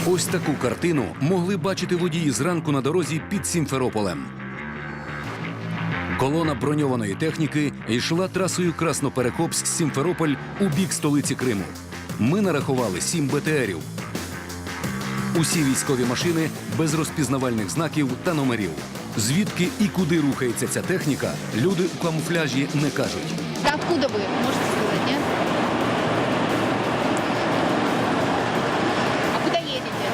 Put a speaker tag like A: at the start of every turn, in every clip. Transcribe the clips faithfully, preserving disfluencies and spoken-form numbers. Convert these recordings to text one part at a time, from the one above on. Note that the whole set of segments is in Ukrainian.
A: Ось таку картину могли бачити водії зранку на дорозі під Сімферополем. Колона броньованої техніки йшла трасою Красноперекопськ-Сімферополь у бік столиці Криму. Ми нарахували сім БТРів. Усі військові машини без розпізнавальних знаків та номерів. Звідки і куди рухається ця техніка, люди у камуфляжі не кажуть.
B: Да откуда вы? Можете сказать, нет? А куда едете?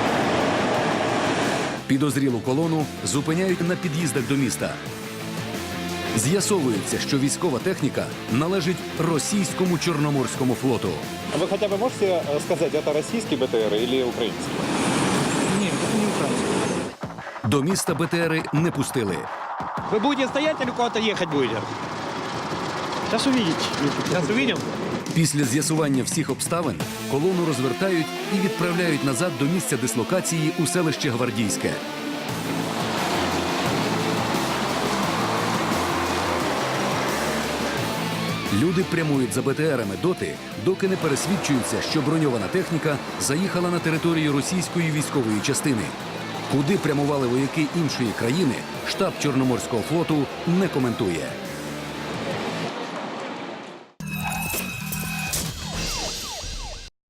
A: Підозрілу колону зупиняють на під'їздах до міста. З'ясовується, що військова техніка належить російському Чорноморському флоту.
C: А вы хотя бы можете э, сказать, это российский БТР или украинский?
D: Нет, это не украинский.
A: До міста БТРи не пустили.
D: Вы будете стоять или куда-то ехать будете? Сейчас увидите. Сейчас увидим.
A: Після з'ясування всіх обставин колону розвертають і відправляють назад до місця дислокації у селище Гвардійське. Люди прямують за БТРами доти, доки не пересвідчуються, що броньована техніка заїхала на територію російської військової частини. Куди прямували вояки іншої країни, штаб Чорноморського флоту не коментує.